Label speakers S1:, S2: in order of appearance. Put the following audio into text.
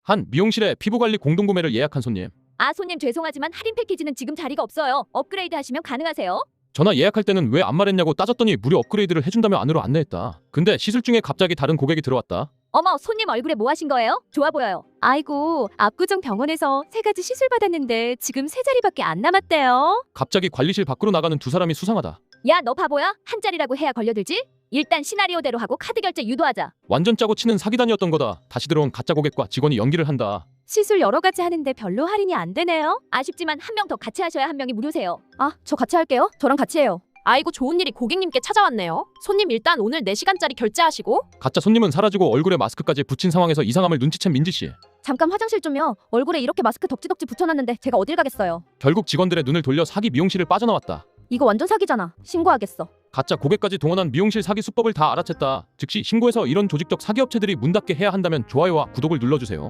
S1: 한 미용실에 피부관리 공동구매를 예약한 손님.
S2: 아, 손님 죄송하지만 할인 패키지는 지금 자리가 없어요. 업그레이드 하시면 가능하세요?
S1: 전화 예약할 때는 왜 안 말했냐고 따졌더니 무료 업그레이드를 해준다며 안으로 안내했다. 근데 시술 중에 갑자기 다른 고객이 들어왔다.
S2: 어머, 손님 얼굴에 뭐 하신 거예요? 좋아 보여요.
S3: 아이고, 압구정 병원에서 3가지 시술 받았는데 지금 3자리밖에 안 남았대요.
S1: 갑자기 관리실 밖으로 나가는 두 사람이 수상하다.
S2: 야, 너 바보야? 한 자리라고 해야 걸려들지? 일단 시나리오대로 하고 카드 결제 유도하자.
S1: 완전 짜고 치는 사기단이었던 거다. 다시 들어온 가짜 고객과 직원이 연기를 한다.
S3: 시술 여러 가지 하는데 별로 할인이 안 되네요.
S2: 아쉽지만 한 명 더 같이 하셔야 한 명이 무료세요.
S3: 아, 저 같이 할게요. 저랑 같이 해요.
S4: 아이고 좋은 일이 고객님께 찾아왔네요. 손님 일단 오늘 4시간짜리 결제하시고.
S1: 가짜 손님은 사라지고 얼굴에 마스크까지 붙인 상황에서 이상함을 눈치챈 민지씨.
S3: 잠깐 화장실 좀요. 얼굴에 이렇게 마스크 덕지덕지 붙여놨는데 제가 어딜 가겠어요.
S1: 결국 직원들의 눈을 돌려 사기 미용실을 빠져나왔다.
S3: 이거 완전 사기잖아. 신고하겠어.
S1: 가짜 고객까지 동원한 미용실 사기 수법을 다 알아챘다. 즉시 신고해서 이런 조직적 사기업체들이 문 닫게 해야 한다면 좋아요와 구독을 눌러주세요.